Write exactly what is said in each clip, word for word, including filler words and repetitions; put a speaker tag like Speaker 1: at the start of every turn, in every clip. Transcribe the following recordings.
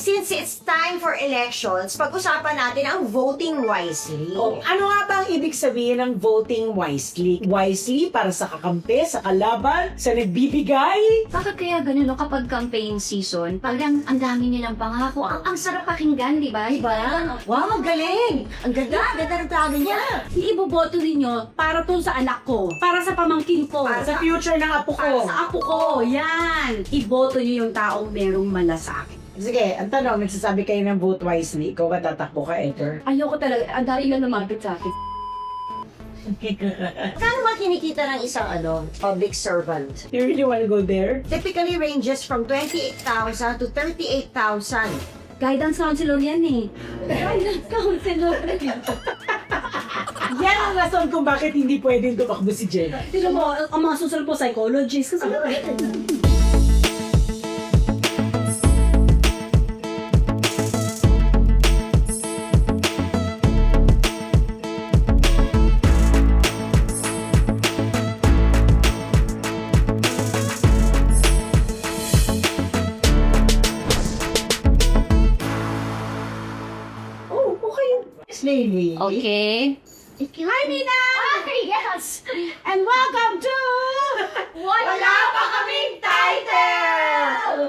Speaker 1: since it's time for elections, pag-usapan natin ang voting wisely.
Speaker 2: Oh, ano nga ba ang ibig sabihin ng voting wisely? Wisely para sa kakampi, sa kalaban, sa nagbibigay?
Speaker 3: Bakit kaya ganun no, kapag campaign season, parang ang dami nilang pangako. Ang, ang sarap pakinggan, di ba? Diba?
Speaker 1: Wow, ang galing! Ang ganda, ang ganda ng plano niya.
Speaker 4: Iboboto ninyo para to sa anak ko, para sa pamangkin ko,
Speaker 2: Para sa future ng apo
Speaker 4: para
Speaker 2: ko.
Speaker 4: sa apo ko. Yan! Iboto niyo yung taong merong malasakit.
Speaker 2: Sige, ang tanong, nagsasabi kayo ng vote wisely. Ikaw ba tatakbo ka, Edgar?
Speaker 4: Ayoko talaga. Ang dami lang lumapit sa akin.
Speaker 1: Kano ba kinikita ng isang ano, public servant?
Speaker 2: You really wanna go there?
Speaker 1: Typically ranges from twenty-eight thousand to thirty-eight thousand.
Speaker 4: Guidance counselor yan eh. Guidance counselor.
Speaker 2: Yan ang rason kung bakit hindi pwedeng tumakbo si Jen.
Speaker 4: Tignan mo, ang mga susunod po psychologist. Kasi
Speaker 2: Oh, okay. Slowly.
Speaker 3: Okay.
Speaker 4: Hi, Nina!
Speaker 3: Yes!
Speaker 4: And welcome to...
Speaker 1: Wala pa kaming title!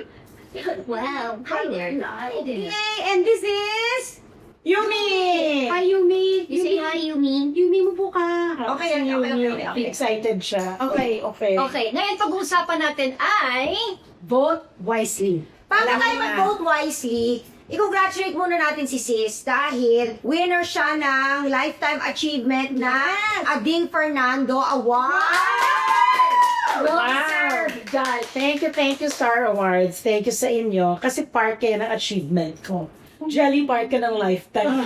Speaker 3: Wow. Hi there. Hi there.
Speaker 4: Yay! And this is...
Speaker 2: Yumi!
Speaker 4: Hi, Yumi!
Speaker 3: You say hi, Yumi.
Speaker 4: Yumi mo po ka.
Speaker 1: Okay, okay, okay, okay, okay.
Speaker 2: Excited siya. Okay, okay.
Speaker 3: Okay, ngayon pag-uusapan natin ay...
Speaker 4: Vote wisely.
Speaker 1: Bago
Speaker 2: Alam
Speaker 1: tayo
Speaker 2: mo na.
Speaker 1: mag-vote wisely, i-congratulate muna natin si Sis dahil winner siya ng Lifetime Achievement na Ading Fernando Award!
Speaker 4: Well
Speaker 2: Wow.
Speaker 4: deserved, guys.
Speaker 2: Thank you, thank you, Star Awards. Thank you sa inyo. Kasi part kayo ng achievement ko. Jelly part ka ng lifetime.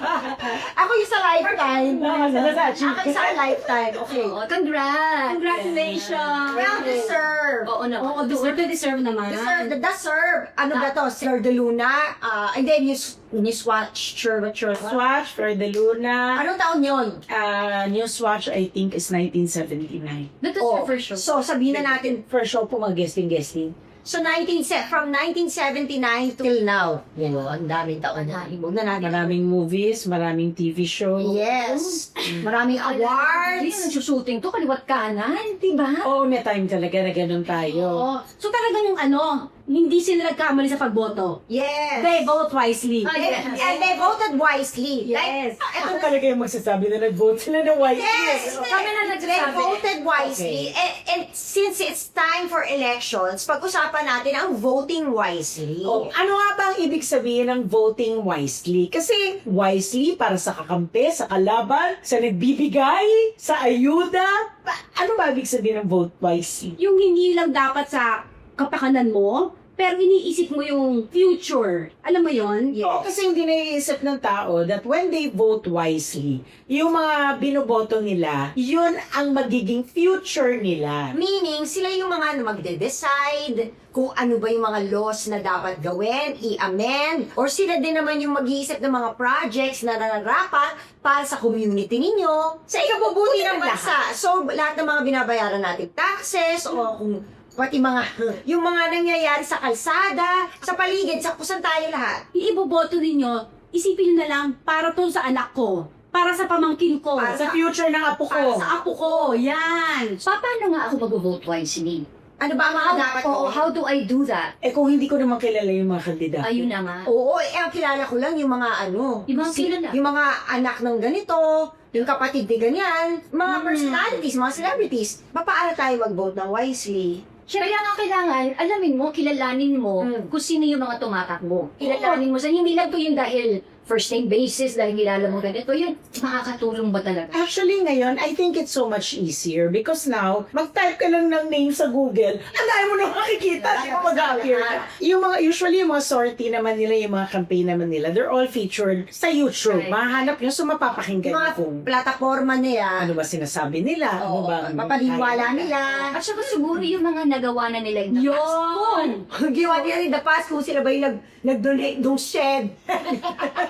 Speaker 1: Ako yung sa lifetime.
Speaker 2: Ah, sa- sa
Speaker 1: Ako yung sa lifetime. Okay.
Speaker 3: Oh, congrats!
Speaker 4: Congratulations.
Speaker 1: Well deserved.
Speaker 3: Oo naman.
Speaker 4: Oo, deserve to deserve naman.
Speaker 1: Deserve, the deserve. Ano ba to? Sir De Luna? Ah, and then News, Newswatch, sure, sure.
Speaker 2: Newswatch for the Luna.
Speaker 1: Anong taon yun?
Speaker 2: Uh, Newswatch, I think, is nineteen seventy-nine.
Speaker 3: That was
Speaker 1: Oh,
Speaker 3: your first show.
Speaker 1: So, sabihin na natin,
Speaker 2: First show po mag-guesting-guesting.
Speaker 1: so nineteen se- from nineteen seventy-nine till now. Yan o, ang daming taon na. Huwag na natin.
Speaker 2: Maraming movies, maraming T V show.
Speaker 1: Yes. Maraming
Speaker 3: Hindi
Speaker 1: awards.
Speaker 3: nagsushooting to, kaliwat kanan, di ba?
Speaker 2: Oo, may time talaga na ganun tayo.
Speaker 4: Oo. So talagang ano, hindi sila nagkamali sa pagboto.
Speaker 1: Yes.
Speaker 4: They vote wisely.
Speaker 3: Ah,
Speaker 1: And,
Speaker 3: yes.
Speaker 1: and they voted wisely.
Speaker 4: Yes.
Speaker 2: Ako talaga yung magsasabi na nag-vote sila ng white.
Speaker 1: Yes,
Speaker 3: Kami na
Speaker 1: they
Speaker 3: nagsasabi.
Speaker 1: voted wisely. And, and since it's time for elections, pag-usapan natin ang voting wisely.
Speaker 2: Oh, ano nga ba ang ibig sabihin ng voting wisely? Kasi wisely para sa kakampi, sa kalaban, sa nagbibigay, sa ayuda. Pa- ano ba ibig sabihin ng vote wisely?
Speaker 4: Yung hindi lang dapat sa kapakanan mo, pero iniisip mo yung future. Alam mo yon?
Speaker 1: Yes.
Speaker 2: Oo, kasi hindi naiisip ng tao that when they vote wisely, yung mga binoboto nila, yun ang magiging future nila.
Speaker 1: Meaning, sila yung mga ano, magde-decide kung ano ba yung mga laws na dapat gawin, i-amend, or sila din naman yung mag-iisip ng mga projects na nararapat para sa community ninyo, sa ikabubuti ng bansa. So, lahat ng mga binabayaran natin taxes, o kung pati mga, yung mga nangyayari sa kalsada, sa paligid, sa kusan tayo lahat.
Speaker 4: Iiboboto ninyo, isipin nyo na lang, para to sa anak ko, para sa pamangkin ko,
Speaker 1: Para
Speaker 2: Sa future ng apo ko.
Speaker 4: sa apo ko. Yan.
Speaker 3: Pa- Paano nga ako mag-vote wisely?
Speaker 1: Ano ba ang mga dapat
Speaker 3: Oo,
Speaker 1: gawin?
Speaker 3: how do I do that?
Speaker 2: Eh kung hindi ko naman kilala yung mga kandidato.
Speaker 3: Ayun na nga.
Speaker 1: Oo, eh, ang kilala ko lang yung mga ano,
Speaker 3: Yung mga kilala.
Speaker 1: yung mga anak ng ganito, yung kapatid ni ganyan, mga personalities, mga celebrities. Pa- Paano tayo mag-vote ng wisely?
Speaker 3: Kaya nga kailangan, alamin mo, kilalanin mo
Speaker 1: Mm.
Speaker 3: kung sino yung mga tumatakbo. Kilalanin mo sa hindi lang to yung dahil first name basis, dahil kilala mo ganito, yun, makakatulong ba talaga?
Speaker 2: Actually, ngayon, I think it's so much easier because now, mag-type ka lang ng name sa Google, ang dami mo na makikita, di ba mag-appear ka. Yung mga, usually, yung mga sortie naman nila, yung mga campaign naman nila, they're all featured sa YouTube.
Speaker 3: Right.
Speaker 2: Mahanap nyo, so mapapakinggan
Speaker 1: Yung mga
Speaker 2: nyo kung
Speaker 1: plataforma nila,
Speaker 2: ano ba sinasabi nila, ano
Speaker 1: oo,
Speaker 2: ba ang-
Speaker 1: mapaniwala nila.
Speaker 3: At saka siguro yung mga nagawa na nila in the past.
Speaker 4: Yun.
Speaker 1: Ginawa nila in the past kung sila ba yung nag, nag-donate ng shed.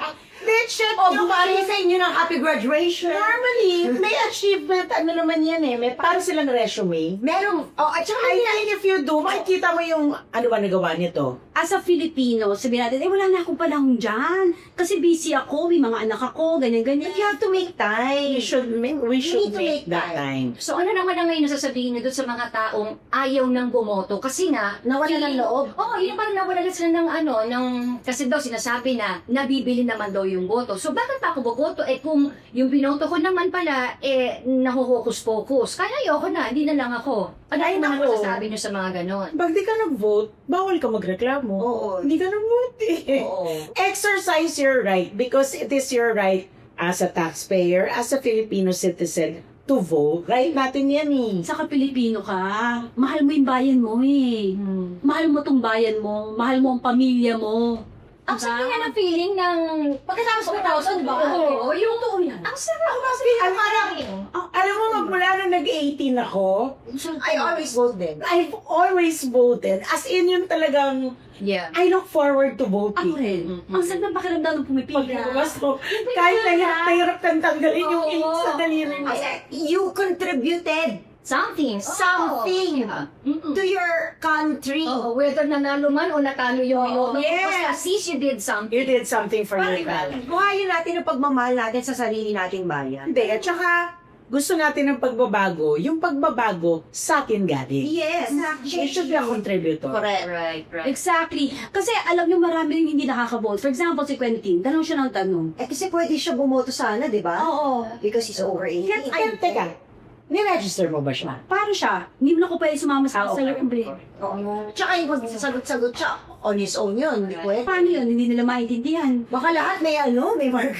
Speaker 2: They check
Speaker 1: O,
Speaker 2: yung
Speaker 1: bumali sa inyo ng happy graduation.
Speaker 2: Normally, may achievement, ano naman yan eh, may para silang resume.
Speaker 1: Meron, oh, at saka
Speaker 2: I think if you do, makikita mo yung ano ba nagawa nito.
Speaker 4: As a Filipino, sabihin natin, eh wala na akong panahon dyan. Kasi busy ako, may mga anak ako, ganyan-ganyan.
Speaker 1: you have to make time.
Speaker 2: We should make, we should
Speaker 1: need to
Speaker 2: make
Speaker 1: make
Speaker 2: that time.
Speaker 3: So ano naman ang ngayon nasasabihin niyo doon sa mga taong ayaw nang bumoto? Kasi nga,
Speaker 1: Nawala ng loob.
Speaker 3: Oo, oh, yun parang nawala na sila ng ano, ng, kasi daw sinasabi na nabibili naman daw yung boto. So bakit pa ako boboto? Eh kung yung binoto ko naman pala, eh nahuhokus-pokus. Kaya ayoko na, hindi na lang ako. Ano
Speaker 2: Ay,
Speaker 3: yung mga
Speaker 2: nako.
Speaker 3: masasabi niyo sa mga ganon?
Speaker 2: Pag di ka nag-vote, bawal ka magreklamo.
Speaker 1: Oo.
Speaker 2: Hindi ka nag-vote eh.
Speaker 1: Oo.
Speaker 2: Exercise your right because it is your right as a taxpayer, as a Filipino citizen, to vote. Right natin yan eh.
Speaker 4: Saka Pilipino ka, mahal mo yung bayan mo eh.
Speaker 1: Hmm.
Speaker 4: Mahal mo tong bayan mo, mahal mo ang pamilya mo.
Speaker 3: Ang
Speaker 4: Diba?
Speaker 3: sabi nga ng feeling ng
Speaker 1: Pagkatapos ng two thousand, di ba?
Speaker 3: Oo, yung
Speaker 4: Totoo yan.
Speaker 3: ang sarap kasi
Speaker 2: Ang parang, alam mo, magmula nung nag-eighteen ako,
Speaker 1: I always vote din.
Speaker 2: I've always voted. As in, yung talagang,
Speaker 3: Yeah.
Speaker 2: I look forward to
Speaker 4: Ako
Speaker 2: voting.
Speaker 4: rin.
Speaker 3: Mm-mm.
Speaker 4: Ang sarap ng pakiramdam ng pumipila.
Speaker 2: Pagkakas ko, kahit na hirap kang tanggalin yung ink sa daliri mo.
Speaker 1: Kasi you contributed
Speaker 3: Something.
Speaker 1: Something.
Speaker 3: Oo. Yeah. Mm-mm.
Speaker 1: to your country.
Speaker 3: Oo, whether nanalo man o natalo yung
Speaker 1: Oo,
Speaker 3: oh,
Speaker 1: yes.
Speaker 3: Basta at least you did something.
Speaker 2: You did something for your
Speaker 1: Parang
Speaker 2: family.
Speaker 1: buhayin natin ang pagmamahal natin sa sarili nating bayan.
Speaker 2: Hindi, at saka, gusto natin ng pagbabago, yung pagbabago sa atin galing.
Speaker 1: Yes.
Speaker 2: She should be a contributor.
Speaker 1: Correct.
Speaker 3: Right, right.
Speaker 4: Exactly. Kasi alam nyo, marami rin hindi nakaka-vote. For example, si Quentin, tanong siya ng tanong.
Speaker 1: Eh kasi pwede siya bumoto sana, di ba?
Speaker 4: Oo.
Speaker 1: Because he's over eighteen.
Speaker 2: Kaya, kaya, teka, ni-register mo ba siya?
Speaker 4: Paano siya? Hindi mo na ko pwede sumama sa
Speaker 2: Ah,
Speaker 4: sa
Speaker 2: okay.
Speaker 4: assembly.
Speaker 1: Oo. Tsaka yung magsasagot-sagot siya, on his own yun. Hindi pwede.
Speaker 4: Paano yun? Hindi nila maintindihan.
Speaker 1: Baka lahat may ano, may mark.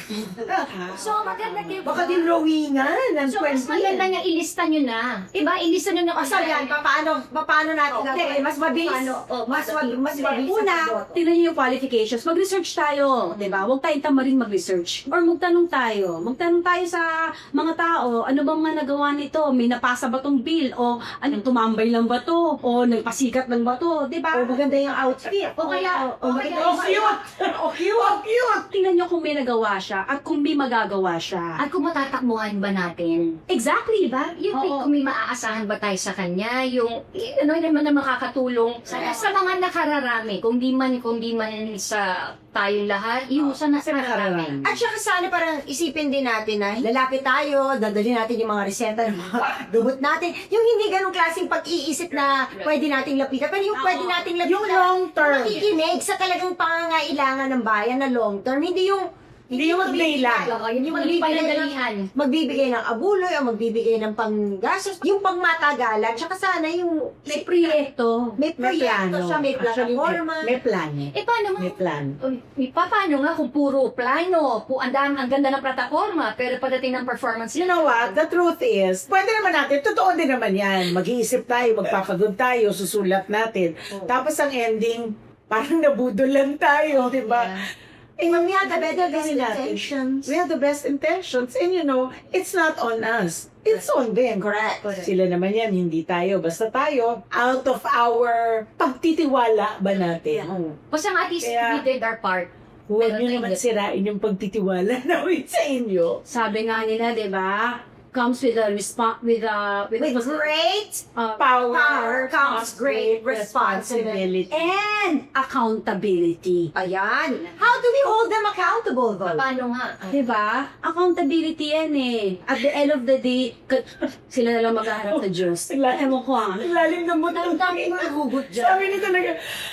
Speaker 3: So, maganda din.
Speaker 1: Baka din rowingan ng
Speaker 3: So, mas maganda nga ilista nyo na. Diba? Ilista nyo na.
Speaker 1: O so yan, paano, paano natin
Speaker 3: Oo.
Speaker 1: gagawin? Mas mabilis.
Speaker 3: Paano? Oh,
Speaker 1: Mas, mab- mas mabilis. ang
Speaker 4: Una,
Speaker 1: pagboto.
Speaker 4: tingnan niyo yung qualifications. Mag-research tayo, di ba? Huwag tayong tamarin mag-research. Or magtanong tayo. Magtanong tayo sa mga tao, ano bang mga nagawa nito? May napasa ba tong bill? O ano, tumambay lang ba to? O nagpasikat lang ba to? Di ba?
Speaker 1: O maganda yung outfit.
Speaker 3: O kaya,
Speaker 1: O
Speaker 3: o
Speaker 1: maganda
Speaker 3: kaya,
Speaker 2: Oh, cute! Oh, cute! Oh, cute!
Speaker 4: Tingnan niyo kung may nagawa siya at kung may magagawa siya.
Speaker 3: at kung matatakbuhan ba natin?
Speaker 4: Exactly,
Speaker 3: Diba? Yung
Speaker 4: Oo.
Speaker 3: kung may maaasahan ba tayo sa kanya, yung eh, ano naman na makakatulong sa, sa mga nakararami, kung di man, kung di man sa tayong lahat, yung sa nakararami.
Speaker 1: At saka sana parang isipin din natin na lalapit tayo, dadalhin natin yung mga reseta ng mga gamot natin. Yung hindi ganong klaseng pag-iisip na pwede nating lapitan, pero yung pwede nating lapitan.
Speaker 2: Yung long term.
Speaker 1: Makikinig sa talagang pangangailangan ng bayan na long term. Hindi yung
Speaker 2: Hindi yung mag-day lang.
Speaker 3: Oo, yung
Speaker 1: Yung
Speaker 3: hindi
Speaker 1: magbibigay ng,
Speaker 3: panandalihan.
Speaker 1: magbibigay ng abuloy o magbibigay ng panggastos. Yung pangmatagalan, tsaka sana yung
Speaker 4: May proyekto.
Speaker 1: may
Speaker 2: May
Speaker 1: proyekto
Speaker 2: plano.
Speaker 1: siya, may
Speaker 2: Actually,
Speaker 1: platforma.
Speaker 2: may, may plan eh.
Speaker 3: Eh, paano nga?
Speaker 2: May plan.
Speaker 3: Uy, pa- paano nga kung puro plano, pu ang, dam- ang ganda ng plataforma, pero pagdating ng performance,
Speaker 2: You know what? The truth is, pwede naman natin, totoo din naman yan. Mag-iisip tayo, magpapagod tayo, susulat natin. Tapos ang ending, parang nabudol lang tayo, di ba?
Speaker 1: Eh, we had the better
Speaker 2: Gawin natin.
Speaker 1: intentions.
Speaker 2: We have the best intentions. And you know, it's not on us. It's on them.
Speaker 1: Correct.
Speaker 2: Sila naman yan, hindi tayo. Basta tayo, out of our pagtitiwala ba natin?
Speaker 3: basta nga at least
Speaker 2: Kaya-
Speaker 3: we did our part.
Speaker 2: Huwag
Speaker 3: Pero
Speaker 2: nyo
Speaker 3: tayo
Speaker 2: naman
Speaker 3: din.
Speaker 2: sirain yung pagtitiwala namin sa inyo.
Speaker 4: Sabi nga nila, di ba? Comes with a response, with a, with,
Speaker 1: With great
Speaker 4: uh,
Speaker 2: Power,
Speaker 1: power comes great responsibility.
Speaker 4: and accountability.
Speaker 1: Ayan. How do we hold them accountable, though?
Speaker 3: Paano nga?
Speaker 4: Diba? Accountability yan eh. At the end of the day, k- sila na lang maghaharap sa Diyos.
Speaker 2: Sigla-
Speaker 4: Ewan ko ah.
Speaker 2: Ang lalim ng mundo.
Speaker 1: Ang dami mga hugot dyan.
Speaker 2: Sabi niya talaga,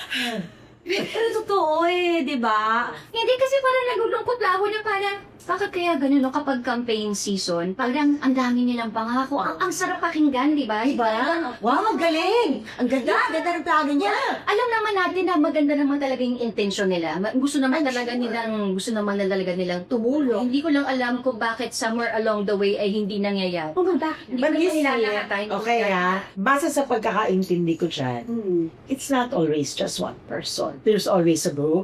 Speaker 4: Pero totoo eh, di ba?
Speaker 3: Hindi kasi parang nagulungkot lang ako na parang, bakit kaya ganun no, kapag campaign season, parang ang dami nilang pangako. Ang, ang sarap pakinggan, di ba?
Speaker 1: Diba? Wow, ang galing! Ang ganda, ang ganda ng plano niya.
Speaker 3: Alam naman natin na maganda naman talaga yung intention nila. Ma- Gusto naman talaga nilang, gusto naman na talaga nilang tumulong. Hindi ko lang alam kung bakit somewhere along the way ay hindi nangyayari.
Speaker 4: Oh, bakit?
Speaker 3: Hindi ko
Speaker 2: But
Speaker 3: naman
Speaker 2: you see,
Speaker 3: nilalakatay.
Speaker 2: okay ha, base sa pagkakaintindi ko dyan,
Speaker 4: Hmm.
Speaker 2: it's not always just one person. There's always a group, there's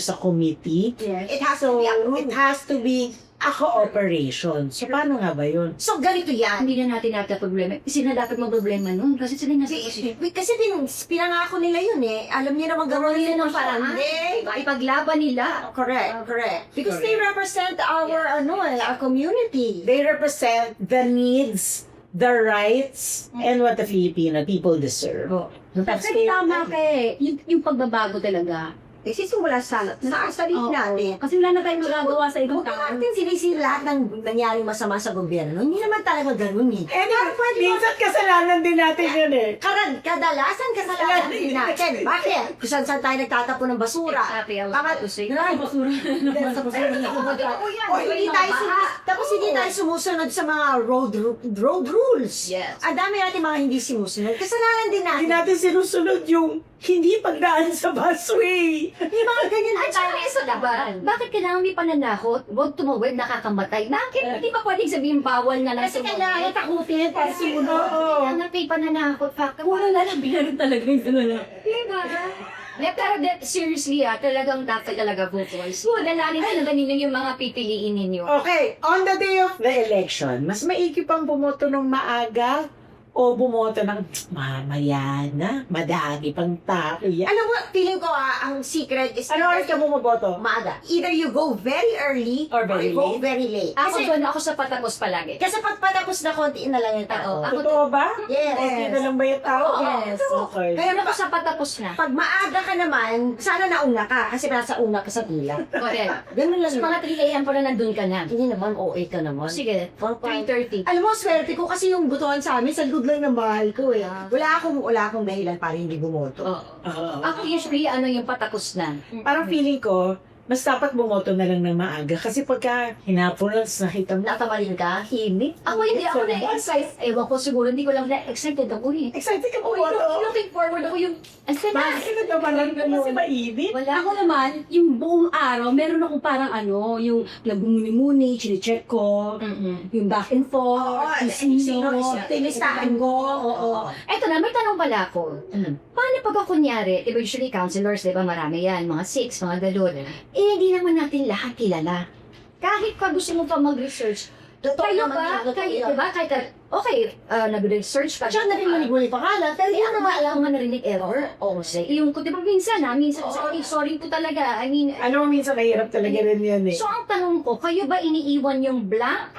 Speaker 2: there's a committee.
Speaker 1: It has to
Speaker 2: So,
Speaker 1: be approved.
Speaker 2: it has to be a cooperation. So, paano nga ba yun?
Speaker 1: So, ganito yan.
Speaker 3: Hindi na natin natin problema. Sila dapat mo problema nun. Kasi sila nasa
Speaker 1: Kasi, kasi pin, pinangako nila yun eh. Alam niyo naman gawin nila ng paraan. Hindi.
Speaker 3: Ipaglaban nila.
Speaker 1: Correct, correct. Because
Speaker 2: Correct.
Speaker 1: they represent our, ano, eh, our community.
Speaker 2: They represent the needs, the rights, and what the Filipino people deserve.
Speaker 3: Oh.
Speaker 2: That's
Speaker 4: Kasi tama ka eh. Yung, yung pagbabago talaga.
Speaker 1: Eh, sisimula sa, sa sarili
Speaker 4: Oo.
Speaker 1: natin.
Speaker 4: Kasi wala na tayong magagawa sa ibang
Speaker 1: Huwag
Speaker 4: tao.
Speaker 1: natin sinisir lahat ng nangyaring masama sa gobyerno. Hindi naman talaga ganun eh.
Speaker 2: And minsan kasalanan din natin yun eh.
Speaker 1: Karad, kadalasan kasalanan din natin. Bakit? Kung saan-saan tayo nagtatapon ng basura.
Speaker 3: Sabi ang
Speaker 1: Bakit?
Speaker 3: tusig.
Speaker 1: Ay, basura. Sa basura na O hindi tayo sumu- tapos hindi tayo sumusunod sa mga road ru- road rules.
Speaker 3: Yes.
Speaker 1: Ang dami natin mga hindi sumusunod. Kasalanan din natin.
Speaker 2: Hindi natin sinusunod yung hindi pagdaan sa busway.
Speaker 1: Yung mga ganyan
Speaker 3: At
Speaker 1: din
Speaker 3: saka
Speaker 1: tayo.
Speaker 3: isa diba, bakit kailangan may pananakot? Huwag tumawid, nakakamatay. Bakit? Hindi ba pwedeng sabihin bawal na lang
Speaker 1: Kasi kailangan takutin para sumunod.
Speaker 2: Oo.
Speaker 3: Kailangan may pananakot. Fuck.
Speaker 4: Wala na lang, binarin talaga yung gano'n.
Speaker 3: Diba? Ne, pero de, seriously ah, talagang dapat talaga vote twice. So, dalanin talaga ninyo yung mga pipiliin ninyo.
Speaker 2: Okay, on the day of the election, mas maigi pang bumoto ng maaga o bumoto ng mamaya na, madami pang tao yan.
Speaker 1: Alam mo, feeling ko ah, ang secret is
Speaker 2: Ano oras ka bumoboto?
Speaker 1: maaga. Either you go very early
Speaker 2: Or very
Speaker 1: you go
Speaker 2: late.
Speaker 1: very late.
Speaker 3: Ako
Speaker 1: Kasi,
Speaker 3: doon, ako sa patapos palagi.
Speaker 1: kasi pag patapos na konti na lang yung tao.
Speaker 3: Oo, ako
Speaker 2: Totoo ba?
Speaker 1: Yes.
Speaker 2: Konti na lang ba yung tao?
Speaker 3: Oo.
Speaker 2: Yes. Okay.
Speaker 1: Kaya
Speaker 3: Ako sa patapos na.
Speaker 1: pag maaga ka naman, sana nauna ka kasi nasa una ka sa pila.
Speaker 3: Correct.
Speaker 1: Ganun lang.
Speaker 3: Sa mga three a m pa na nandun ka na.
Speaker 1: Hindi naman, O A ka naman.
Speaker 3: Sige, three thirty.
Speaker 1: Alam mo, swerte ko kasi yung butuan sa amin, sa good lang ng bahay ko eh. Wala akong, wala akong dahilan para hindi bumoto.
Speaker 3: Oo.
Speaker 2: Oo.
Speaker 3: Ako usually, ano yung patapos na.
Speaker 2: Parang feeling ko, mas dapat bumoto na lang ng maaga. Kasi pagka hinapon lang, nakita mo,
Speaker 1: Natamalin ka?
Speaker 3: Himik? Ako hindi ako na-excite. Ewan ko siguro, hindi ko lang na-excited ako eh.
Speaker 2: excited ka
Speaker 3: Oh,
Speaker 2: bumoto.
Speaker 3: looking forward ako yung... Ang sana!
Speaker 2: Bakit natapalan ka kasi mainit?
Speaker 3: Wala.
Speaker 4: Ako naman, yung buong araw, meron akong parang ano, yung nagmumuni-muni, chinecheck ko,
Speaker 3: Mm-mm.
Speaker 4: yung back and forth,
Speaker 1: Oo,
Speaker 4: yung sino,
Speaker 1: tinistahan ko. Oo.
Speaker 3: Eto na, may tanong pala ako.
Speaker 1: Mm.
Speaker 3: Paano pag ako kunyari, di ba usually counselors, di ba marami yan, mga six, mga galon. Eh, hindi naman natin lahat kilala. Kahit pa gusto mo pa mag-research,
Speaker 1: Totoo
Speaker 3: kayo
Speaker 1: naman
Speaker 3: ba,
Speaker 1: yun, totoo
Speaker 3: kayo,
Speaker 1: yun.
Speaker 3: di ba, kahit, okay, uh, nag-research ka.
Speaker 1: At saka narinig mo yung pangalan, pero
Speaker 3: Hindi
Speaker 1: yun
Speaker 3: ako
Speaker 1: naman
Speaker 3: alam nga narinig error. O, say, yung, di ba minsan ha, minsan, sorry, sorry po talaga. I mean,
Speaker 2: Ano minsan mahirap talaga rin yan eh.
Speaker 3: so ang tanong ko, kayo ba iniiwan yung blank?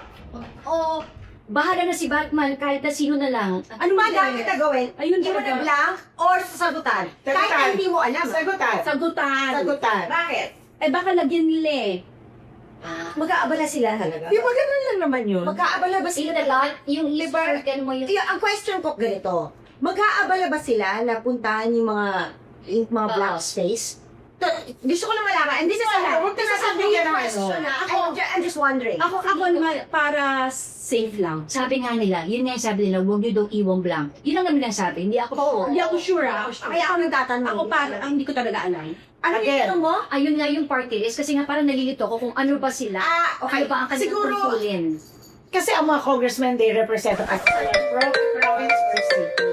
Speaker 3: O, bahala na si Batman kahit na sino na lang?
Speaker 1: Ano ba dapat na gawin?
Speaker 4: Ayun
Speaker 1: Iwan
Speaker 4: talaga.
Speaker 1: na blank or sasagutan? Kahit
Speaker 2: Sagutan.
Speaker 1: na hindi mo alam.
Speaker 2: Sagutan.
Speaker 4: Sagutan.
Speaker 1: Sagutan. Bakit?
Speaker 4: Eh baka lagyan nila eh.
Speaker 1: Mag-aabala sila talaga.
Speaker 2: Di ba ganun lang naman yun?
Speaker 1: Mag-aabala ba
Speaker 3: Sino
Speaker 1: sila?
Speaker 3: na lang, yung liver, kan mo yung...
Speaker 1: Yung, ang question ko ganito, mag-aabala ba sila na puntahan yung mga yung mga blank
Speaker 3: Oo.
Speaker 1: space? To, gusto ko lang malaman, and this is a
Speaker 2: Huwag ka nasabihin
Speaker 1: a
Speaker 2: ng
Speaker 1: question.
Speaker 2: ano.
Speaker 1: ah. I'm, ju- I'm just wondering.
Speaker 4: Ako, ako naman, para safe lang.
Speaker 3: Sabi nga nila, yun nga yung sabi nila, huwag nyo daw iwang blank. Yun lang naman ang sabi, hindi ako
Speaker 1: Oo.
Speaker 4: Hindi ako sure ah.
Speaker 1: Kaya ako nagtatanong.
Speaker 4: Ako para, ang hindi ko talaga alam.
Speaker 1: Ano yung
Speaker 2: Again.
Speaker 1: tanong mo?
Speaker 3: Ayun nga yung party list, kasi nga parang nalilito ko kung ano ba sila.
Speaker 1: Ah, okay.
Speaker 3: Ano ba ang kanilang
Speaker 2: Siguro-
Speaker 3: tungkulin.
Speaker 2: Kasi ang mga congressmen, they represent us province or city.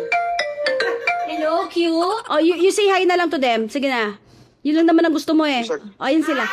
Speaker 3: Hello, Q?
Speaker 4: Oh, you, you say hi na lang to them. Sige na. Yun lang naman ang gusto mo eh. Oh, yun sila.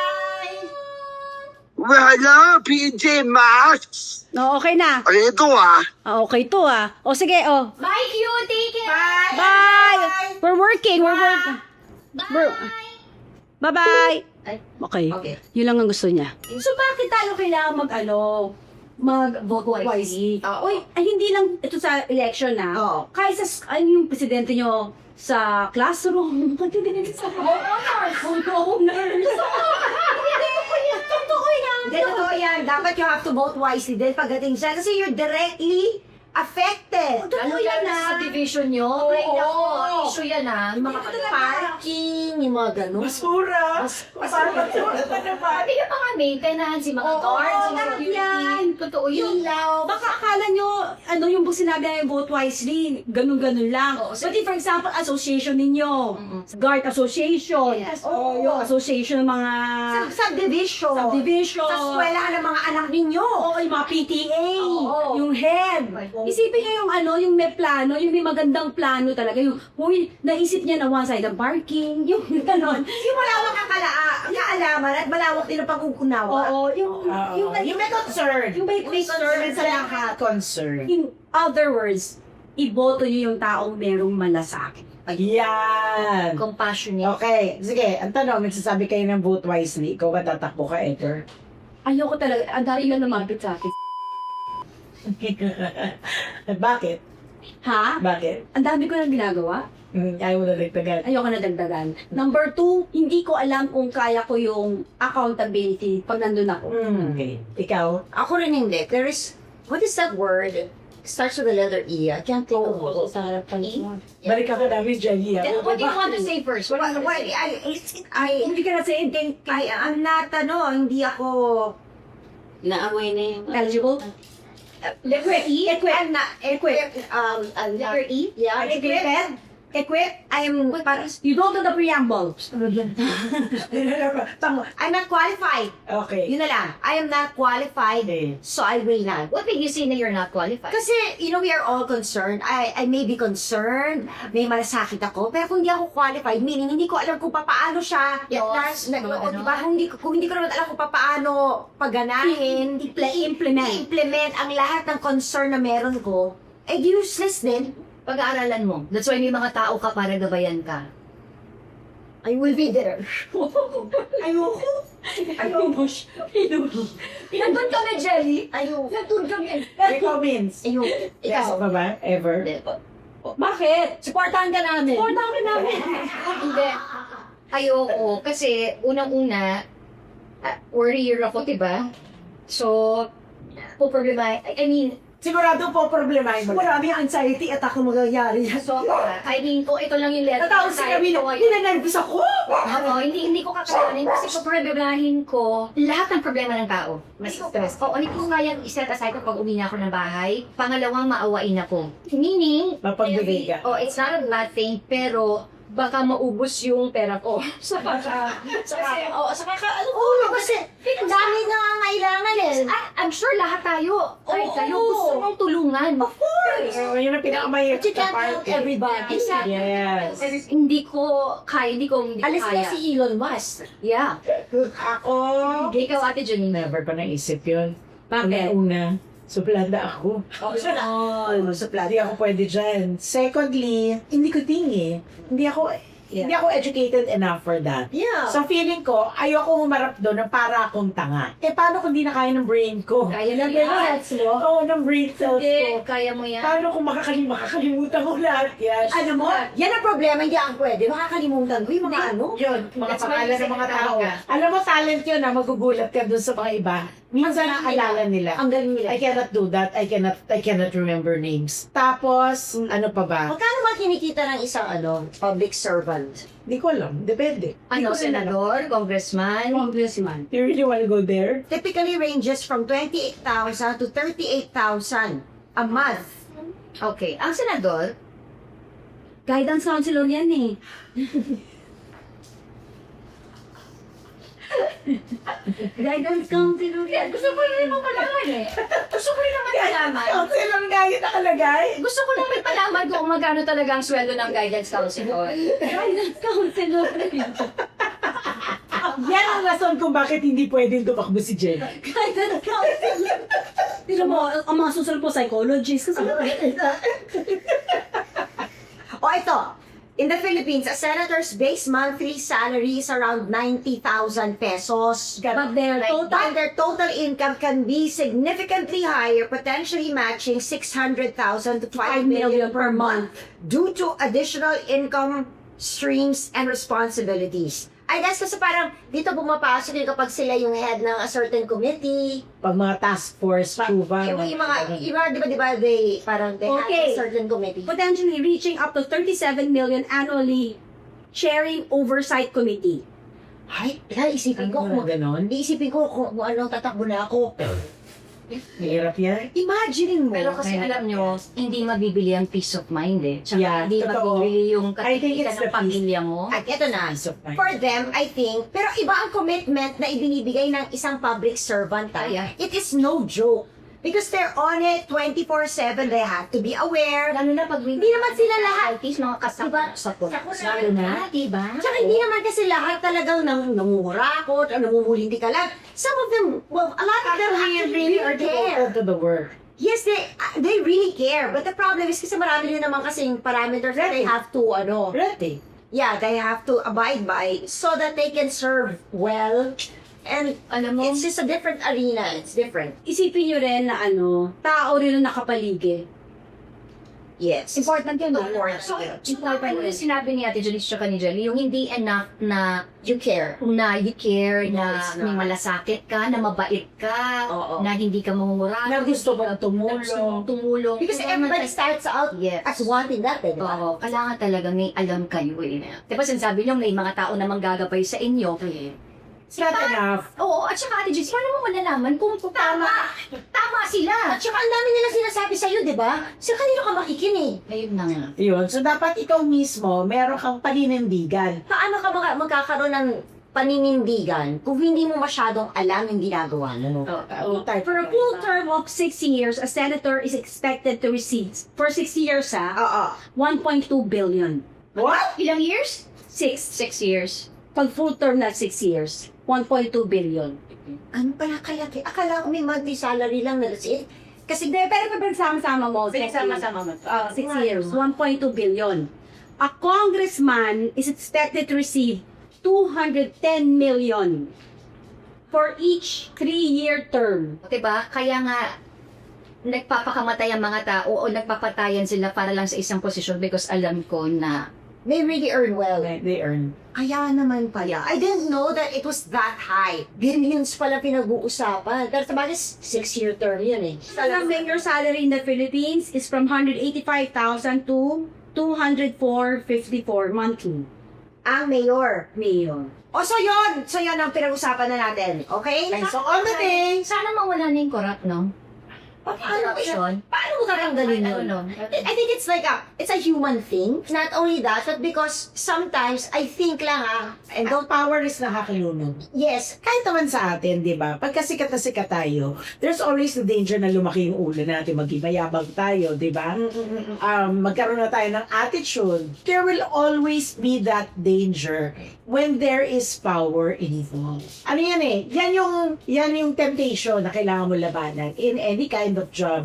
Speaker 5: Wala, P J Masks.
Speaker 4: Oh, okay na.
Speaker 5: Ano ito ah?
Speaker 4: Ah, okay to ah. O sige, oh.
Speaker 3: Bye, Q! Take care!
Speaker 1: Bye!
Speaker 4: Bye! We're working, we're working. We're-
Speaker 3: Bye!
Speaker 4: Bye-bye!
Speaker 3: Ay.
Speaker 4: Okay.
Speaker 1: Okay.
Speaker 4: Yun lang ang gusto niya. So, bakit tayo kailangan mag, ano, mag-vote wisely?
Speaker 1: Oo.
Speaker 4: Uy, ay, hindi lang ito sa election na.
Speaker 1: Oo.
Speaker 4: Kahit sa, s- ano yung presidente nyo sa classroom, presidente sa homeowners. Homeowners. Totoo yan.
Speaker 1: Hindi, totoo yan. Dapat you have to vote wisely din pagdating siya. Kasi you're directly affected.
Speaker 3: Ano yan na sa division nyo?
Speaker 1: Oo.
Speaker 3: Ay, nako, issue yan ah.
Speaker 1: Yung mga parking, yung mga ganun.
Speaker 2: Basura. Parang basura pa naman.
Speaker 3: Pati yung mga maintenance, yung mga
Speaker 1: Oo,
Speaker 3: guards, yung
Speaker 4: lahat
Speaker 3: security.
Speaker 4: yan.
Speaker 3: Totoo yun.
Speaker 1: Ilaw.
Speaker 4: Baka akala nyo, ano yung sinabi na yung vote wisely, ganun-ganun lang.
Speaker 3: Oo,
Speaker 4: But if, for example, association ninyo, guard association,
Speaker 3: Yes.
Speaker 4: o yung association ng mga
Speaker 1: Sa subdivision.
Speaker 4: subdivision,
Speaker 1: Sa eskwela ng mga anak ninyo.
Speaker 4: o yung mga P T A,
Speaker 1: Oo.
Speaker 4: yung head.
Speaker 1: Oo.
Speaker 4: Isipin nyo yung ano, yung may plano, yung may magandang plano talaga, yung, huy, naisip niya na one side ang parking, yung ganon.
Speaker 1: Hindi mo lang makakala, ah, naman at malawak din ang pag-ukunawa.
Speaker 4: Oo, yung,
Speaker 2: Oo.
Speaker 4: yung,
Speaker 2: Yung may concern.
Speaker 4: yung may concern sa lahat.
Speaker 2: Concern.
Speaker 4: In other words, iboto niyo yung taong merong malasakit.
Speaker 2: Yan.
Speaker 3: Compassionate.
Speaker 2: Okay, sige. Ang tanong, nagsasabi kayo ng vote wisely. Ikaw ba tatakbo ka, Edgar?
Speaker 4: Ayoko talaga, ang dami lang lumapit sa akin.
Speaker 2: Bakit?
Speaker 4: Ha?
Speaker 2: Bakit?
Speaker 4: Ang dami ko nang ginagawa.
Speaker 2: Mm, ayaw mo na dagdagan.
Speaker 4: Ayoko na dagdagan. Number two, hindi ko alam kung kaya ko yung accountability pag nandun ako.
Speaker 2: Mm, okay. Ikaw?
Speaker 1: Ako rin hindi. There is, what is that word? Starts with the letter E. I can't think of it.
Speaker 4: Sa harapan mo.
Speaker 2: Balik ka namin dyan, Lia.
Speaker 3: Then, what do you want to say first? What do
Speaker 1: What,
Speaker 3: you
Speaker 1: what,
Speaker 3: want to say?
Speaker 1: I, it's- I,
Speaker 4: Hindi ka na sa ending.
Speaker 1: I, I'm not, ano, hindi ako,
Speaker 4: Naaway na yung... Eligible?
Speaker 1: equip, equip, I'm not, equip, um, I'm not,
Speaker 3: Letter E?
Speaker 1: yeah, equip, equip, I'm, parang,
Speaker 4: You don't know the preamble.
Speaker 2: Tango.
Speaker 1: I'm not qualified.
Speaker 2: Okay.
Speaker 1: Yun na lang. I am not qualified,
Speaker 2: Okay.
Speaker 1: so I will not.
Speaker 3: What made you say na you're not qualified?
Speaker 1: Kasi, you know, we are all concerned. I, I may be concerned, may malasakit ako, pero kung hindi ako qualified, meaning hindi ko alam kung paano siya,
Speaker 3: Yes,
Speaker 1: na, na,
Speaker 3: mga
Speaker 1: o,
Speaker 3: ganon.
Speaker 1: diba, kung hindi, ko- kung hindi ko naman alam kung paano paganahin,
Speaker 4: I-implement.
Speaker 1: i-implement ang lahat ng concern na meron ko, eh useless din.
Speaker 3: Pag-aaralan mo. That's why may mga tao ka para gabayan ka.
Speaker 1: I will be there.
Speaker 2: Ayoko.
Speaker 4: Ayoko.
Speaker 3: Nandun kami, Jelly.
Speaker 1: Ayoko.
Speaker 3: Nandun kami.
Speaker 2: Ikaw, Vince.
Speaker 1: Ayoko.
Speaker 2: Yes
Speaker 1: Ikaw.
Speaker 2: ba ba? Ever?
Speaker 3: Hindi.
Speaker 4: Bakit?
Speaker 3: Supportahan ka namin.
Speaker 4: Supportahan ka namin.
Speaker 3: Hindi. Ayoko. Kasi, unang-una, uh, worrier ako, diba? So, po problema, I I mean,
Speaker 2: Sigurado po problemahin mo.
Speaker 1: Marami ang anxiety at ako magyayari.
Speaker 3: so, I mean, kung ito lang yung letter.
Speaker 1: Natawag si Camilo, nilanervous ako.
Speaker 3: Oo, hindi hindi ko kakayanin kasi kung problemahin ko lahat ng problema ng tao. Mas stress. Oo, hindi ko kayang iset aside ko pag uwi na ako ng bahay. Pangalawang, maawain ako. Meaning,
Speaker 2: Mapagbigay ka.
Speaker 3: oh, it's not a bad thing, pero baka maubos yung pera ko. sa kaka, sa kaka, oh, sa kaka, ano ko,
Speaker 1: Oo, kasi ang dami na nga kailangan eh.
Speaker 3: Ah, I'm sure lahat tayo, kahit
Speaker 1: Oo.
Speaker 3: kayo, gusto mong tulungan. Of course!
Speaker 2: Oh, yun ang pinakamahirap
Speaker 1: But you
Speaker 2: sa
Speaker 1: can't help
Speaker 2: party.
Speaker 1: everybody.
Speaker 3: Exactly.
Speaker 2: Yes.
Speaker 3: Hindi ko kaya, hindi ko, hindi ko
Speaker 1: Alis na
Speaker 3: kaya.
Speaker 1: si Elon Musk.
Speaker 3: Yeah.
Speaker 2: Ako,
Speaker 3: Ikaw, Ate Janine.
Speaker 2: never pa naisip yun.
Speaker 4: Bakit?
Speaker 2: Una, suplada ako.
Speaker 1: Oh,
Speaker 2: Hindi ako pwede dyan. Secondly, hindi ko tingi. Hindi ako,
Speaker 1: Yeah.
Speaker 2: hindi ako educated enough for that.
Speaker 1: Yeah.
Speaker 2: So feeling ko, ayoko humarap doon na para akong tanga. Eh paano kung di na kaya ng brain ko?
Speaker 3: Kaya na
Speaker 1: Yung
Speaker 3: yan.
Speaker 1: heads mo.
Speaker 2: Oo, ng brain cells
Speaker 3: Hindi,
Speaker 2: ko.
Speaker 3: kaya mo yan.
Speaker 2: Paano kung makakalim makakalimutan ko lahat yan?
Speaker 1: Ano mo? Yan ang problema, hindi ako pwede. Makakalimutan ko yung mga ano.
Speaker 2: Yun, mga
Speaker 3: That's why
Speaker 2: pangalan
Speaker 3: you
Speaker 2: ng mga
Speaker 3: say
Speaker 2: tao.
Speaker 3: ka.
Speaker 2: Alam mo, talent yun na magugulat ka doon sa mga iba. Minsan
Speaker 1: Ang galing
Speaker 2: naalala nila.
Speaker 1: Ang galing nila.
Speaker 2: I cannot do that. I cannot I cannot remember names. Tapos, ano pa ba?
Speaker 1: Magkano ba kinikita ng isang ano, public servant?
Speaker 2: Hindi ko alam. Depende. Di
Speaker 3: Ano,
Speaker 2: ko rin alam.
Speaker 3: senador, congressman,
Speaker 4: Congressman.
Speaker 2: You really wanna go there?
Speaker 1: Typically ranges from twenty-eight thousand to thirty-eight thousand a month.
Speaker 3: okay. Ang senador,
Speaker 4: Guidance counselor yan eh. Guidance counselor yan.
Speaker 3: gusto ko rin mo malaman eh. Gusto ko rin naman malaman.
Speaker 2: Ang silang gaya nakalagay.
Speaker 3: Gusto ko lang may malaman kung magkano talaga ang sweldo ng guidance counselor.
Speaker 4: Guidance counselor.
Speaker 2: Yan ang rason kung bakit hindi pwedeng tumakbo si Jen.
Speaker 4: Guidance counselor. Tira mo, ang mga susunod po, psychologist. Kasi
Speaker 1: O ito, in the Philippines, a senator's base monthly salary is around ninety thousand pesos.
Speaker 4: but their
Speaker 1: But
Speaker 4: total,
Speaker 1: their total income can be significantly higher, potentially matching six hundred thousand to five million per month due to additional income streams and responsibilities. I guess kasi parang dito pumapasok yung kapag sila yung head ng a certain committee.
Speaker 2: Pag mga task force, chuba.
Speaker 1: Yung, yung mga, yung mga, di ba, di ba, they, parang they
Speaker 4: Okay.
Speaker 1: have a certain committee.
Speaker 4: potentially reaching up to thirty-seven million annually, chairing oversight committee.
Speaker 1: Ay, kaya isipin ko
Speaker 2: Ano
Speaker 1: kung,
Speaker 2: na ganon?
Speaker 1: iisipin ko kung, kung anong tatakbo na ako.
Speaker 2: Mahirap yan.
Speaker 1: Imagine mo.
Speaker 3: Pero kasi alam nyo, hindi mabibili ang peace of mind eh. Tsaka
Speaker 2: Yeah,
Speaker 3: hindi
Speaker 2: totoo.
Speaker 3: mabibili yung
Speaker 2: I think
Speaker 3: katitikan
Speaker 2: it's
Speaker 3: ng
Speaker 2: the
Speaker 3: pamilya mo.
Speaker 1: At ito na.
Speaker 2: Peace of mind.
Speaker 1: For them, I think, pero iba ang commitment na ibinibigay ng isang public servant. ah.
Speaker 3: Ah, yeah.
Speaker 1: It is no joke Because they're on it twenty-four seven. They have to be aware.
Speaker 3: Lalo na pag
Speaker 1: Hindi naman sila lahat.
Speaker 3: Artist, mga kasama sa
Speaker 1: Lalo
Speaker 3: na. Diba?
Speaker 1: Tsaka hindi naman kasi lahat talagang nang nangungurakot o namumulindi ka lang. Some of them, well, a lot of them
Speaker 2: Actually,
Speaker 1: actually
Speaker 2: really are
Speaker 1: care.
Speaker 2: devoted to the work.
Speaker 1: Yes, they uh, they really care. But the problem is kasi marami rin naman kasing parameters that they have to, ano,
Speaker 2: Ready.
Speaker 1: yeah, they have to abide by so that they can serve well. And
Speaker 3: Alam mo,
Speaker 1: it's just a different arena. It's different.
Speaker 4: Isipin nyo rin na ano, tao rin ang nakapaligid.
Speaker 1: Yes.
Speaker 3: important yun. no?
Speaker 1: Important.
Speaker 3: So, important yung sinabi ni Ate Janice tsaka ni Jelly, yung hindi enough na
Speaker 1: You care.
Speaker 3: na you care,
Speaker 1: No,
Speaker 3: na
Speaker 1: it's not.
Speaker 3: may malasakit ka, na mabait ka,
Speaker 1: Oo.
Speaker 3: na hindi ka mangungurado.
Speaker 2: Na gusto mong
Speaker 3: na gusto mong
Speaker 2: tumulong.
Speaker 3: tumulong.
Speaker 1: Because
Speaker 3: Kailangan
Speaker 1: everybody
Speaker 3: tal-
Speaker 1: starts out
Speaker 3: Yes.
Speaker 1: as wanting that, eh, di ba?
Speaker 3: Oo, kailangan talaga may alam kayo eh. Diba sinasabi nyo, may mga tao na manggagabay sa inyo.
Speaker 2: It's not enough.
Speaker 3: Oo, at saka Ate Janice, paano mo malalaman kung tama, tama sila?
Speaker 1: At saka ang dami nila sinasabi sa'yo, di ba? Sa kanino ka makikinig?
Speaker 3: Ayun na nga.
Speaker 2: Yun. So, dapat ikaw mismo, meron kang paninindigan.
Speaker 1: Paano ka maka- magkakaroon ng paninindigan kung hindi mo masyadong alam yung ginagawa mo?
Speaker 2: Uh, type
Speaker 4: For a full term of six years, a senator is expected to receive, for six years ha,
Speaker 1: Oo.
Speaker 4: one point two billion.
Speaker 2: What?
Speaker 3: Ilang years?
Speaker 4: Six.
Speaker 3: Six years.
Speaker 4: Pag full term na six years, one point two billion.
Speaker 1: Ano pala kaya? Akala ko may monthly salary lang na that's it. Kasi
Speaker 4: Hindi, pero kapag sama-sama mo,
Speaker 3: Pinagsama-sama mo.
Speaker 4: Uh, six
Speaker 1: Wow.
Speaker 4: years, one point two billion. A congressman is expected to receive two hundred ten million for each three-year term.
Speaker 3: Diba? Kaya nga, nagpapakamatay ang mga tao o nagpapatayan sila para lang sa isang posisyon because alam ko na
Speaker 1: they really earn well.
Speaker 2: They earn.
Speaker 1: Kaya naman pala. I didn't know that it was that high. Billions pala pinag-uusapan. Pero sabagay, six-year term yun eh.
Speaker 4: The mayor salary in the Philippines is from one hundred eighty-five thousand to two hundred four fifty-four monthly.
Speaker 1: Ang mayor.
Speaker 4: Mayor.
Speaker 1: O so yun. So yun ang pinag-usapan na natin. Okay?
Speaker 2: So, on the day,
Speaker 3: sana mawala na yung corrupt, no?
Speaker 1: Paano,
Speaker 3: Corruption.
Speaker 1: paano mo tatanggalin yun?
Speaker 3: Ano, no?
Speaker 1: I think it's like a, it's a human thing. Not only that, but because sometimes, I think lang ah, and
Speaker 2: ang
Speaker 1: don't,
Speaker 2: power is nakakalunod.
Speaker 1: yes,
Speaker 2: Kahit naman sa atin, di ba? Pagka sikat na sikat tayo, there's always the danger na lumaki yung ulo natin, maging mayabang tayo, di ba? Um, magkaroon na tayo ng attitude. There will always be that danger when there is power involved. Ano yan eh? Yan yung, yan yung temptation na kailangan mo labanan in any kind of job.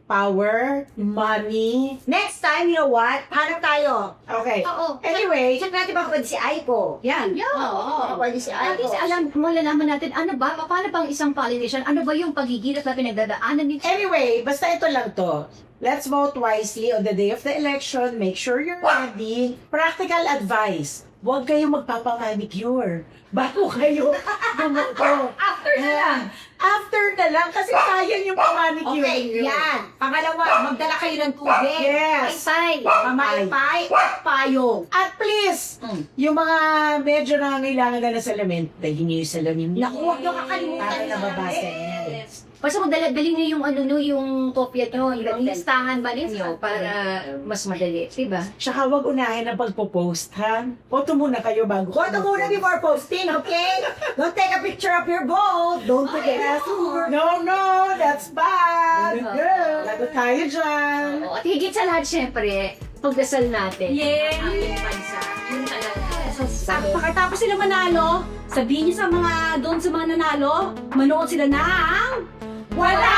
Speaker 2: Power, money.
Speaker 1: next time, you know what? Hanap tayo.
Speaker 2: Okay.
Speaker 3: Oo.
Speaker 2: Anyway,
Speaker 1: Check natin baka pwede si Aiko.
Speaker 4: Yan.
Speaker 3: Yeah,
Speaker 1: Baka
Speaker 3: oo.
Speaker 1: pwede si
Speaker 3: At
Speaker 1: Aiko.
Speaker 3: least alam, malalaman natin, ano ba, paano bang isang politician, ano ba yung pagigilap na pinagdadaanan nito?
Speaker 2: Anyway, basta ito lang to. Let's vote wisely on the day of the election. Make sure you're ready. Practical advice. Huwag kayong magpapamanicure bago kayo bumoto.
Speaker 3: After na lang.
Speaker 2: After na lang, kasi sayang yung pamanicure.
Speaker 1: Okay, yan. Pangalawa, magdala kayo ng tubig.
Speaker 2: Yes.
Speaker 3: Bye.
Speaker 1: Mamaypay at payong.
Speaker 2: At please,
Speaker 3: Mm.
Speaker 2: yung mga medyo nangangailangan na ng salamin, dahil niyo yung salamin niyo.
Speaker 1: Naku, huwag niyo kakalimutan
Speaker 2: Para
Speaker 1: yung
Speaker 2: nababasa
Speaker 1: salamin.
Speaker 2: niya.
Speaker 3: Basta magdala, dalhin niyo yung ano no, yung kopya nyo, yung listahan ba ninyo para mas madali, diba?
Speaker 2: Tsaka huwag unahin ang pagpo-post, ha? Boto muna kayo bago.
Speaker 1: Boto muna before posting, okay? Don't take a picture of your vote. Don't forget to.
Speaker 2: No, no, that's bad.
Speaker 3: Oo.
Speaker 2: Girl, lagot tayo dyan.
Speaker 3: Oo, at higit sa lahat, syempre, pagdasal natin.
Speaker 4: Yay!
Speaker 3: Ang ating bansa. Yung talaga.
Speaker 4: At pagkatapos sila manalo, sabihin niyo sa mga doon sa mga nanalo, manood sila ng
Speaker 1: Wala